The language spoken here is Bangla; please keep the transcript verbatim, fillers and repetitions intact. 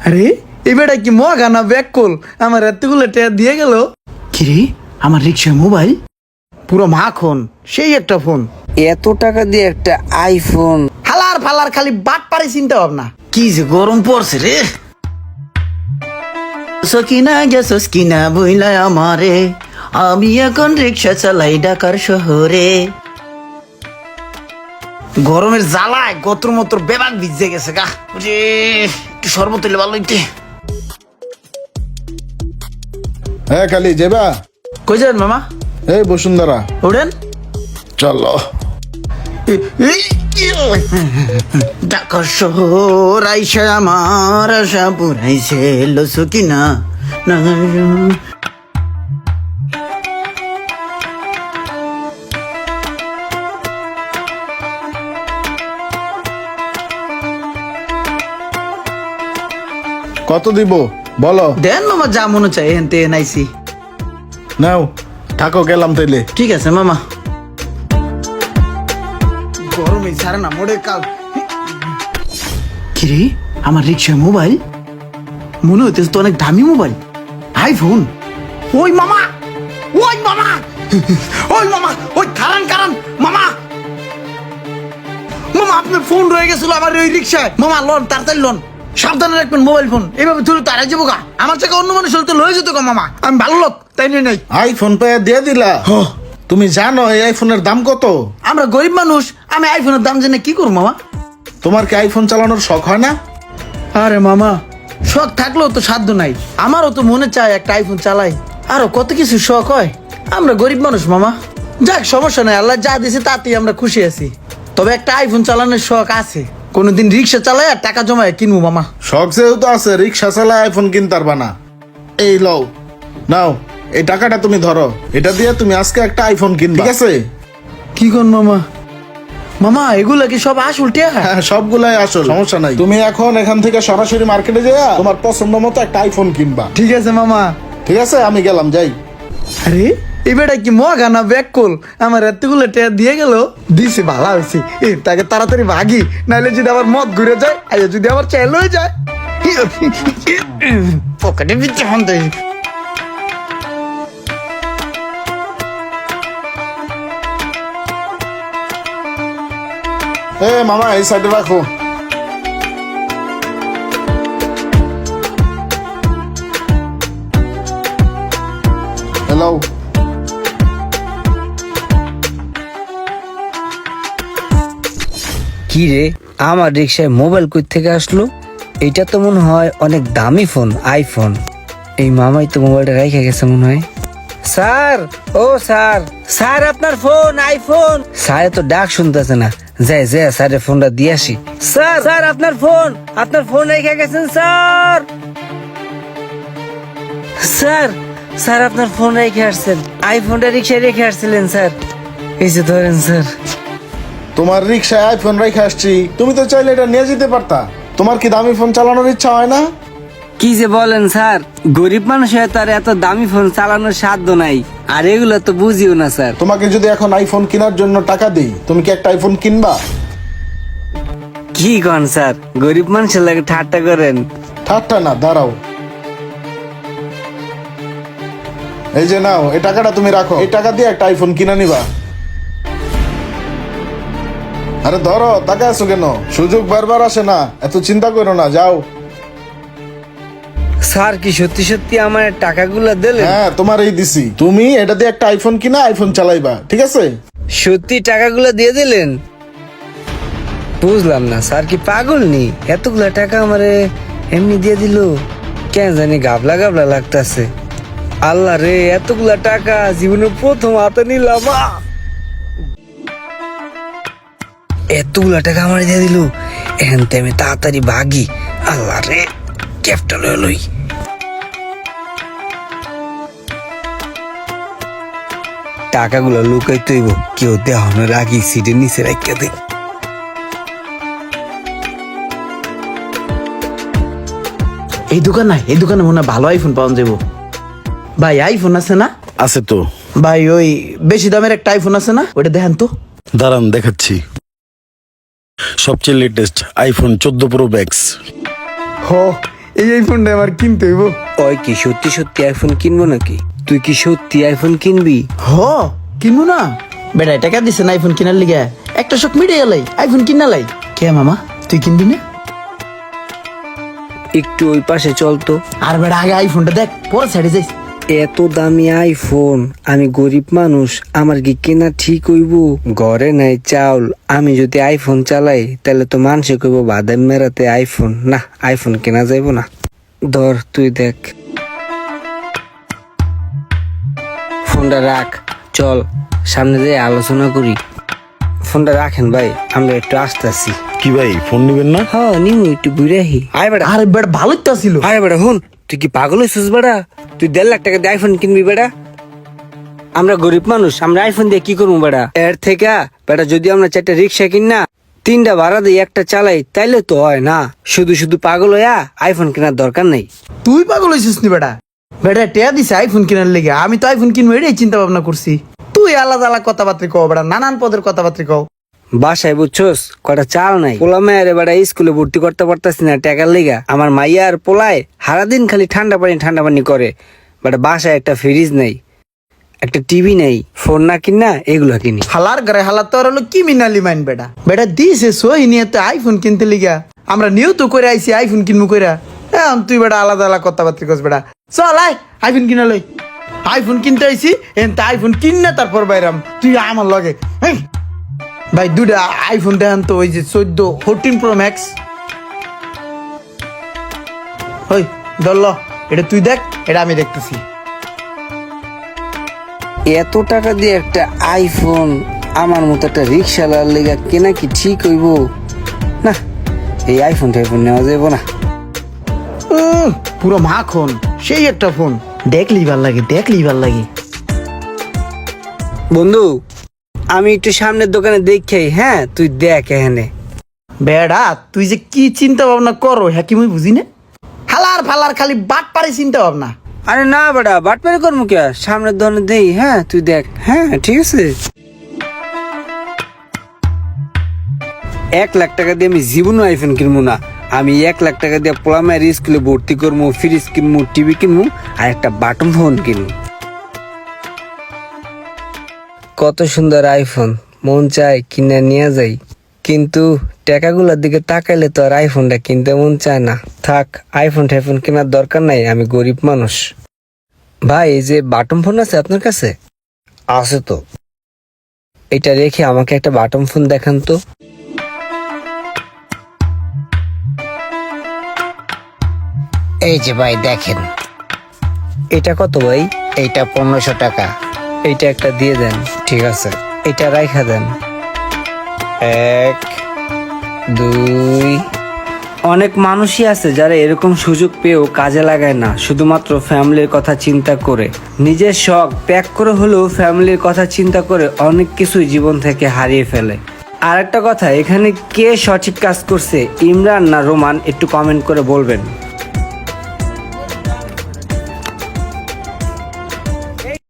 আরে এবারে কি মগা না ব্যাক কল আমার এতগুলো টাকা দিয়ে গেল। কিরে আমার রিক্সায় মোবাইল পুরো মাখন, সেই একটা ফোন। এত টাকা দিয়ে একটা আইফোন? হালার ফালার খালি বাট পারে চিন্তা ভাবনা। কি যে গরম পড়ছে রে। সকিনা গেছস কিনা বইলা আমারে, আমি এখন রিক্সা চালাই ঢাকার শহরে। গরমের জ্বালায় গত্র মত্র বেবাক ভিজে গেছে গা রে। একটু শরবত হইলে ভালো হইতে। হ্যাঁ খালি যাবা? কই যান মামা? এই বসুন্ধরা। ওঠেন চলো। ঢাকার শহর আইসা আমার আশা পুরাইছে লসো কিনা না। কত দিব বলো? দেন মামা যা মনে চাই এখান থেকে নাইছি। নাও থাকো, গেলাম তাইলে। ঠিক আছে মামা। গরমে ছাড়ে না মোড়ে কাল। কিরে আমার রিক্সায় মোবাইল মনে হইতেছে তো অনেক দামি মোবাইল, আইফোন। ওই মামা, ওই মামা, ওই মামা, ওই কারণ কারণ মামা, মামা আপনার ফোন রয়ে গেছিল আমার ওই রিক্সায়। মামা লোন তাড়াতাড়ি লোন, সাবধানে রাখবেন মোবাইল ফোন। এইভাবে তুলে তারা যাবো গা। আমার থেকে অন্য মানুষ হলে তো লয়ে যেত গা মামা। আমি ভালো লোক তাই নিয়ে নাই। আইফোন পেয়ে দিয়ে দিলা? তুমি জানো এই আইফোনের দাম কত? আমরা গরিব মানুষ, আমি আইফোনের দাম জেনে কি করবো মামা? তোমার কি আইফোন চালানোর শখ হয় না? আরে মামা শখ থাকলেও তো সাধ্য নাই। আমারও তো মনে চায় একটা আইফোন চালাই, আরো কত কিছু শখ হয়। আমরা গরিব মানুষ মামা। যাক সমস্যা নাই, আল্লাহ যা দিয়েছে তাতেই আমরা খুশি আছি। তবে একটা আইফোন চালানোর শখ আছে, কোনোদিন রিক্সা চালাই আর টাকা জমায় কিনবো মামা। শখ যেহেতু আছে, রিক্সা চালায় আইফোন কিনতে পারবা না। এই লও, নাও এই টাকাটা তুমি ধরো, এটা দিয়ে তুমি আজকে একটা আইফোন কিনবে, ঠিক আছে? কি কোন মামা? মামা এগুলা কি সব আসল টাকা? হ্যাঁ সবগুলাই আসল, সমস্যা নাই। তুমি এখন এখান থেকে সরাসরি মার্কেটে যাইয়া তোমার পছন্দ মতো একটা আইফোন কিনবা। ঠিক আছে মামা। ঠিক আছে, আমি গেলাম, যাই। আরে এবারে কি মগা না ব্যাক কল আমার এতগুলো টাকা দিয়ে গেল। দিছে ভালো হয়েছে, এ তাকে তাড়াতাড়ি ভাগি, নাহলে যদি আবার মদ ঘুরে যায়, আইয়া যদি আবার চেল হয়ে যায়। পকেটে ভিতরে ফোন দেয়। এ মামা এই সাইডে রাখো। হ্যালো। কি রে, আমার রিক্সায় মোবাইল কই থেকে আসলো? এটা তো মনে হয় অনেক দামি ফোন, আইফোন। এই মামাই তো মোবাইলটা রেখে গেছে মনে হয়। স্যার, ও স্যার, স্যার আপনার ফোন, আইফোন। স্যার তো ডাক শুনতেছে না, যাই যাই স্যারের ফোনটা দিয়ে আসি। স্যার, স্যার আপনার ফোন, আপনার ফোন রেখে গেছেন স্যার। স্যার, স্যার আপনার ফোন রেখে আসছেন, আইফোনটা রিক্সায় রেখে আসছিলেন স্যার। এই যে ধরেন স্যার। তোমার রিক্সায় আইফোন রেখে আসছি, তুমি তো চাইলে এটা নিয়ে যেতে পারতা। তোমার কি দামি ফোন চালানোর ইচ্ছা হয় না? কি যে বলেন স্যার, গরিব মানুষ হয়ে তার এত দামি ফোন চালানোর সাধ্য নাই, আর এগুলো তো বুঝিও না স্যার। তোমাকে যদি এখন আইফোন কেনার জন্য টাকা দিই, তুমি কি একটা আইফোন কিনবা? কি কন স্যার, গরিব মানুষের লাগে ঠাট্টা করেন? ঠাট্টা না, দাঁড়াও। এই যে নাও, এই টাকাটা তুমি রাখো, এই টাকা দিয়ে একটা আইফোন কিনে নিবা। আরে ধরো, টাকা আছো কেন? সুযোগ বারবার আসে না, এত চিন্তা করো না, যাও। স্যার কি সত্যি সত্যি আমার টাকাগুলো দিলেন? হ্যাঁ তোমার এই দিছি, তুমি এটা দিয়ে একটা আইফোন কিনা আইফোন চালাইবা, ঠিক আছে? সত্যি টাকাগুলো দিয়ে দিলেন? বুঝলাম না, স্যার কি পাগল নি? এতগুলা টাকা আমারে এমনি দিয়ে দিল, কেন জানি গাবলা গাবলা লাগতাছে। আল্লাহ রে, এতগুলা টাকা জীবনে প্রথম হাতে নিলাম। আহ! এতগুলা টাকা আমার দিয়ে দিল, এখন তো আমি তাড়াতাড়ি ভাগি। আল্লাহ রে, ক্যাপটা লই লই। টাকাগুলো লুকাই তৈব, কেউ দেওয়ানোর আগে সিটের নিচে রাখিয়া দে। এই দোকান না, এই দোকানে মনে হয় ভালো আইফোন পাওয়া যাবো। ভাই আইফোন আছে না? আছে তো ভাই ওই বেশি দামের একটা আইফোন আছে না, ওটা দেখেন তো। দাঁড়ান দেখাচ্ছি। সবচেয়ে লেটেস্ট আইফোন চোদ্দ প্রো ম্যাক্স। হো এই আইফোনটা আমার কিনতে হইব। ওই কি সত্যি সত্যি আইফোন কিনবো নাকি? তুই কি সত্যি আইফোন কিনবি? হ কিনবো না বেটা, টাকা দিছে না আইফোন কিনার লিগে, একটা শখ মিটে গেলাই আইফোন কিনা লাই। কে মামা তুই কিনবি না? একটু ওই পাশে চল তো। আর বেটা আগে আইফোনটা দেখ, পরে সাইডে যাইস। এত দামি আইফোন, আমি গরিব মানুষ, আমার কি কেনা ঠিক হইব? ঘরে নাই চাউল, আমি যদি আইফোন চালাই তাহলে তো মানুষে কইব বাদাম মেরাতে আইফোন। না, আইফোন কেনা যাইব না। ধর তুই দেখ, ফোনটা রাখ, চল সামনে যেয়ে আলোচনা করি। ফোনটা রাখেন ভাই, আমরা একটু আসতেছি। কি ভাই ফোন নিবেন না? হ্যাঁ নিমু, একটু ঘুরে আহি। আয় বেটা, আরে বেটা ভালোই তো ছিল। আরে বেটা হুন, তুই কি পাগল হয়েছিস বেটা? তুই দেড় লাখ টাকা দিয়ে আইফোন কিনবি বেটা? আমরা গরিব মানুষ, আমরা আইফোন দিয়ে কি করবো বেটা? এর থেকে বেটা যদি আমরা চারটা রিক্সা কিন না, তিনটা ভাড়া দিই একটা চালাই, তাইলে তো হয় না। শুধু শুধু পাগল হইয়া আইফোন কেনার দরকার নেই। তুই পাগল হয়েছিস নি বেটা? বেটা টেয়া দিছে আইফোন কিনার লেগে, আমি তো আইফোন কিনবো এটাই চিন্তা ভাবনা করছি। তুই আলাদা আলাদা কথাবার্তা কও বেটা, নানান পদের কথাবার্তা কও। বাসায় বুঝছোস কটা চাল নাই, পোলা মেয়ের বেটা স্কুলে ভর্তি করতে পারতাছি না টাকার লেগা। আমার মাইয়া আর পোলায় সারাদিন খালি ঠান্ডা পানি ঠান্ডা পানি করে। বেটা বাসায় একটা ফ্রিজ নেই, একটা টিভি নেই, ফোন না কিনা এগুলো কিনি। হালার ঘরে হালার তো আর হলো কি মিনালি মাইন বেটা। বেটা দিছে সহি নিয়ে তো আইফোন কিনতে লিগা, আমরা নিয়েও তো করে আইছি আইফোন কিনবো কইরা। এখন তুই বেটা আলাদা আলাদা কথাবার্তা কস বেটা। চল আয় আইফোন কিনা লই। আইফোন কিনতে আইছি, এন তা আইফোন কিন না তারপর বাইরাম তুই আমার লগে। হেই, ভাই দুটা আইফোন দেখান তো, ওই যে চোদ্দ ফোরটিন প্রো ম্যাক্স। ওই ধরল, এটা তুই দেখ, এটা আমি দেখতেছি। এত টাকা দিয়ে একটা আইফোন আমার মতো একটা রিক্সাওয়ালার লেগা কেনা কি ঠিক হইব? না, এই আইফোন টাইফোন নেওয়া যাইব না। উম, পুরো মাখন, সেই একটা ফোন, দেখলেই ভাল লাগে, দেখলেই ভাল লাগে। বন্ধু আমি একটু সামনের দোকানে দেখি, হ্যাঁ তুই দেখ এখানে। বেড়া তুই যে কি চিন্তা ভাবনা করো হ্যাঁ কি মুই বুঝি না। হালার ফালার খালি বাট পারে চিন্তা ভাবনা। আরে না বেটা, বাটপারি করবো কে? সামনের দোকানে দেই, হ্যাঁ তুই দেখ। হ্যাঁ ঠিক আছে। এক লাখ টাকা দিয়ে আমি জীবনও আইফোন কিনবো না। আমি এক লাখ টাকা দিয়ে পোলামের স্কুলে ভর্তি করবো, ফ্রিজ কিনবো, টিভি কিনবো আর একটা বাটন ফোন কিনবো। কত সুন্দর আইফোন, মন চায় কিনে নিয়ে যাই, কিন্তু টাকাগুলোর দিকে তাকাইলে তো আর আইফোনটা কিনতে মন চায় না। থাক, আইফোন টাইফোন কেনার দরকার নাই, আমি গরিব মানুষ। ভাই এই যে বাটন ফোন আছে আপনার কাছে? আছে তো। এটা রেখে আমাকে একটা বাটন ফোন দেখান তো। এই যে ভাই দেখেন, এটা কত ভাই? এইটা পনেরোশো টাকা। এইটা একটা দিয়ে দেন। ঠিক আছে, এটা রাইখা দেন। এক, দুই। অনেক মানুষই আছে যারা এরকম সুযোগ পেয়েও কাজে লাগায় না, শুধুমাত্র ফ্যামিলির কথা চিন্তা করে। নিজের শখ ত্যাগ করে হলেও ফ্যামিলির কথা চিন্তা করে অনেক কিছুই জীবন থেকে হারিয়ে ফেলে। আর একটা কথা, এখানে কে সঠিক কাজ করছে, ইমরান না রোমান, একটু কমেন্ট করে বলবেন।